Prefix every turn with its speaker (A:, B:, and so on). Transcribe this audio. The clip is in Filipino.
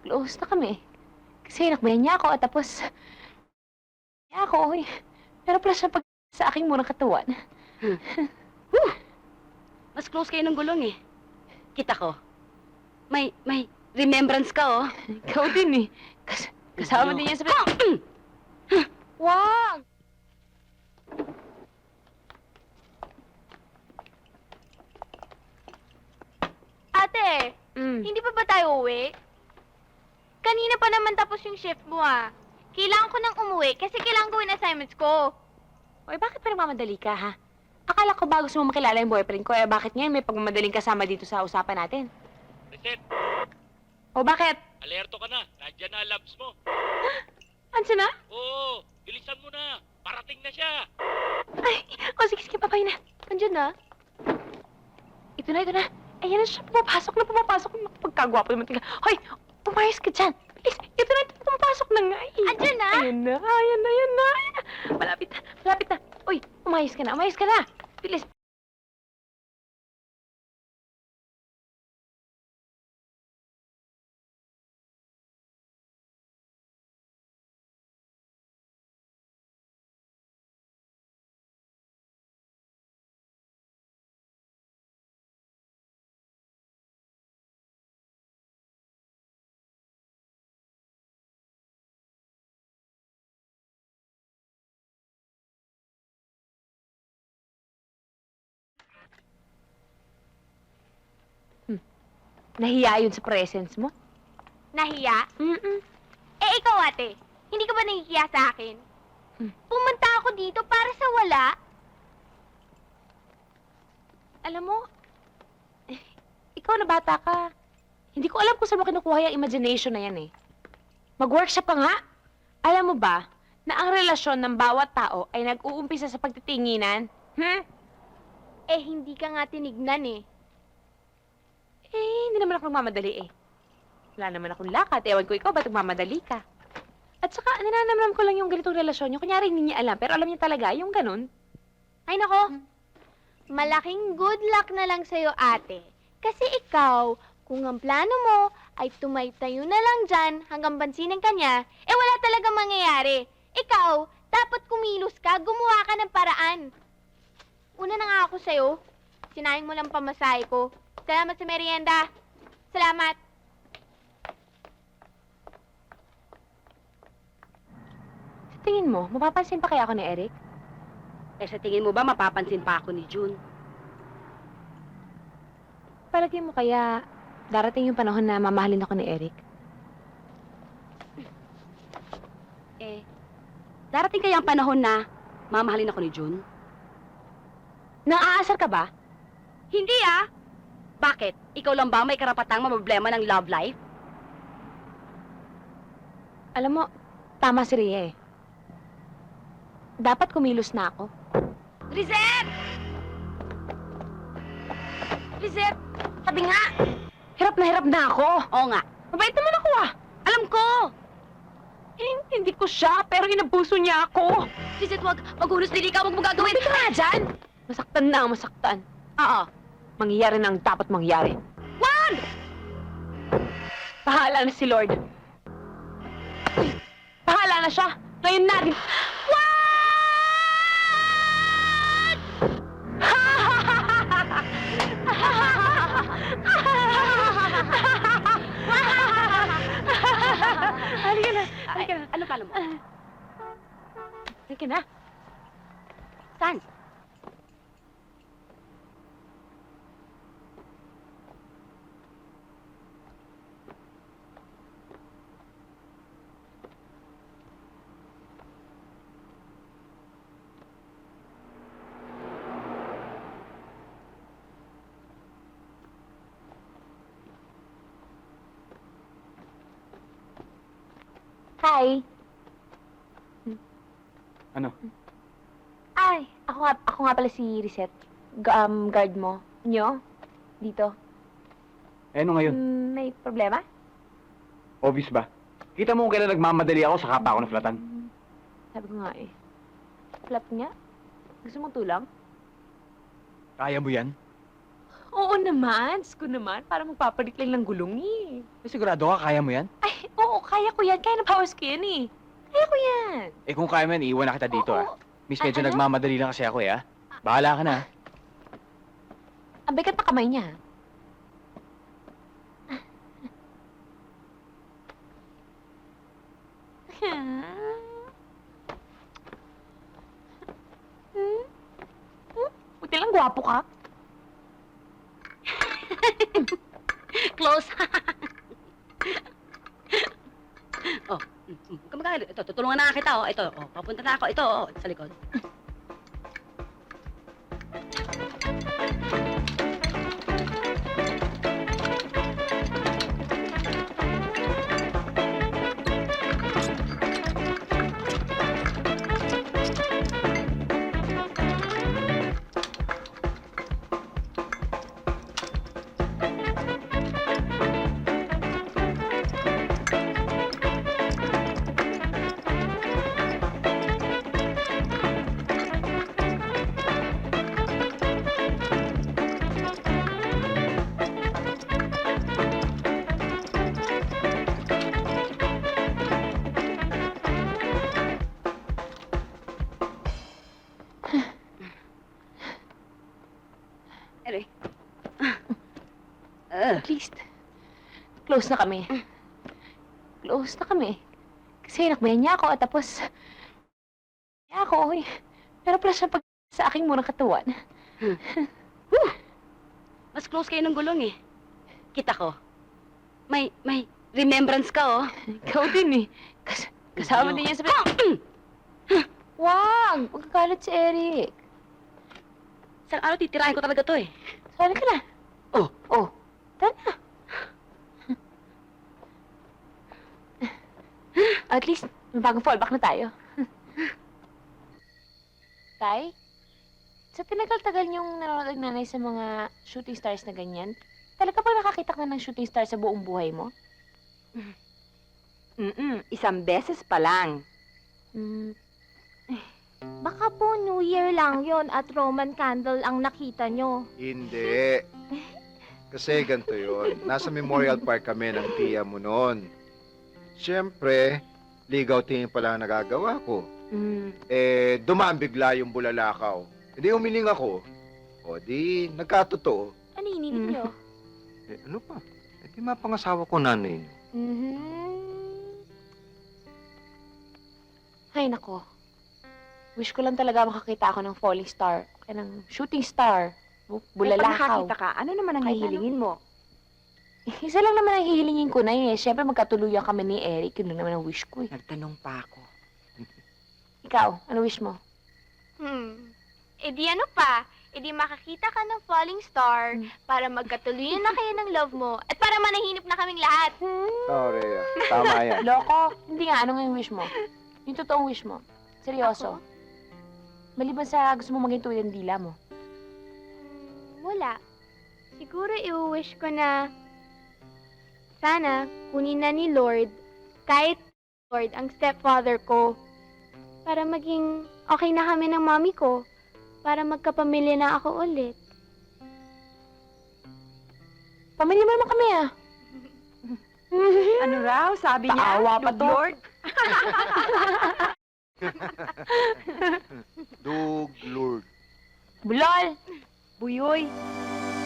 A: close na kami. Kasi nakbayan niya ako at tapos... niya ako, eh. Pero plus siya pag sa aking murang katawan.
B: Mas close kayo ng gulong eh. Kita ko. May remembrance ka, oh.
A: Ikaw din, eh. Kasama din yan sa... Wag!
C: Ate, hindi pa ba tayo uwi? Kanina pa naman tapos yung shift mo ah. Kailangan ko nang umuwi kasi kailangan gawin assignments ko.
A: Oy, bakit pa nagmamadali ka, ha? Akala ko ba gusto mo makilala yung boyfriend ko, eh bakit ngayon may pagmamadaling kasama dito sa usapan natin?
D: Reset,
A: O bakit?
D: alerto ka na. Nandiyan na ang labs mo.
A: Ansa na?
D: Oo, bilisan mo na. Parating na siya.
A: Ay, sige, papay na. Andiyan na. Ito na. Ayan na siya, pumapasok. Pagkagwapo naman tingnan. Hoy, umayos ka dyan. Bilis, ito na, pumapasok na nga. Eh.
C: Andiyan na?
A: Ayan na. Malapit na. Uy, umayos ka na. Bilis. Nahiya yun sa presence mo?
C: Nahiya?
A: Mm-mm.
C: Eh ikaw ate, hindi ka ba nahihiya sa akin? Pumunta ako dito para sa wala.
A: Alam mo, ikaw na bata ka. Hindi ko alam kung saan mo kinukuha yung imagination na yan, eh. Mag-workshop ka nga. Alam mo ba na ang relasyon ng bawat tao ay nag-uumpisa sa pagtitinginan?
C: Eh hindi ka nga tinignan eh.
A: Hindi naman ako nagmamadali, eh. Wala naman akong lakad. Ewan ko ikaw, ba't nagmamadali ka? At saka, ninanamnam ko lang yung ganitong relasyon. Yung kunyari hindi niya alam, pero alam niya talaga yung ganun.
C: Ay nako, malaking good luck na lang sa'yo ate. Kasi ikaw, kung ang plano mo ay tumaytayo na lang dyan hanggang bansinin ka niya, eh wala talaga mangyayari. Ikaw, dapat kumilos ka, gumawa ka ng paraan. Una na nga ako sa'yo, sinayang mo lang pamasahe ko. Salamat sa merienda. Salamat.
A: Sa tingin mo, mapapansin pa kaya ako ni Eric?
B: Eh, sa tingin mo ba mapapansin pa ako ni June?
A: Palagi mo kaya darating yung panahon na mamahalin ako ni Eric?
B: Eh, darating kaya ang panahon na mamahalin ako ni June?
A: Nang aasar ka ba?
B: Hindi ah! Bakit? Ikaw lang ba may karapatang problema ng love life?
A: Alam mo, tama si Rhea, eh. Dapat kumilos na ako.
B: Lizette! Lizette! Sabi nga!
A: Hirap na ako.
B: Oo nga.
A: Mabait naman ako, ah.
B: Alam ko!
A: Hindi ko siya, pero inabuso niya ako.
B: Lizette, wag maghunos dili ka, wag mo gagawin!
A: Tumapit ka nga dyan. Masaktan na ang masaktan.
B: Oo.
A: Mangyayari na ang dapat mangyari.
B: Wag!
A: Bahala na si Lord. Uy, bahala na siya. Ngayon natin. Halika na.
B: Ano pala mo?
A: Halika na.
B: Saan?
A: Hi.
E: Ano?
A: Ay, ako nga pala si Reset. Guard mo. Nyo? Dito.
E: Eh, ano ngayon?
A: May problema?
E: Obvious ba? Kita mo kung kailan nagmamadali ako, saka pa ako naflatan.
A: Sabi ko nga eh. Flap nga? Gusto mong tulang?
E: Kaya mo yan?
A: Oo naman. Sko naman. Para magpapalit lang ng gulong eh.
E: Eh, sigurado ka, kaya mo yan?
A: Ay, kaya ko yan. Kaya na powers ko yan eh. Kaya ko yan.
E: Eh kung kaya man, iiwan na kita dito
A: Oo.
E: Miss, medyo
A: Ano?
E: nagmamadali lang kasi ako Bahala ka na.
A: Ang bigat pa kamay niya. Buti lang gwapo ka.
B: Close. Oh, kamagay. Ito, tutulungan na kita, oh. Ito, oh, papunta na ako. Ito, oh, sa likod. Ere.
A: At least, close na kami. Close na kami. Kasi nakbayan niya ako at tapos, niya ako, eh. Pero pala siya pag sa aking murang katawan.
B: Mas close kayo ng gulong, eh. Kita ko. May remembrance ka, oh.
A: Ikaw din eh. Kasama din niya sa... Wag! Magkakalat si Eric.
B: Isang araw titirahin ko talaga to, eh.
A: Sali ka na.
B: Oh.
A: Oh. Tara na. At least, may bagong fallback na tayo. Tay, sa tinagal-tagal niyong nanonood ng nanay sa mga shooting stars na ganyan, talaga ba nakakita ka na ng shooting star sa buong buhay mo?
B: Isang beses pa lang.
C: Baka po New Year lang yon at Roman candle ang nakita nyo.
F: Hindi. Kasi ganito yun. Nasa Memorial Park kami ng tiya mo noon. Siyempre, ligaw tingin pala ang nagagawa ko. Eh, dumaan bigla yung bulalakaw. Hindi umiling ako. O di, nagkatotoo.
C: Ano ininig nyo?
F: Eh, ano pa? Eh, di mapangasawa ko nanay.
A: Ay, nako. Wish ko lang talaga makakita ako ng falling star. Kaya ng shooting star. Bulalakaw.
B: ka, ano naman ang
A: Kahit
B: hihilingin mo?
A: Isa lang naman ang hihilingin ko na eh. Siyempre magkatuluyan kami ni Eric. Yun lang naman ang wish ko eh.
B: Nagtanong pa ako.
A: Ikaw, ano wish mo?
C: E di ano pa? E di makakita ka ng falling star para magkatuluyan na kayo ng love mo at para manahinip na kaming lahat.
F: Oh, Rhea. Tama yan.
A: Loko. Hindi nga, ano nga yung wish mo? Yung totoong wish mo. Seryoso. Maliban sa gusto mo maging tuwid ang dila mo.
C: Wala. Siguro i-wish ko na sana kunin na ni Lord kahit Lord ang stepfather ko para maging okay na kami ng mami ko para magkapamilya na ako ulit.
A: Pamilya mo naman kami ah.
B: Ano raw? Sabi
A: Paawa pa to.
B: Lord?
F: Dug Lord.
A: Bulol!
B: Buyoy.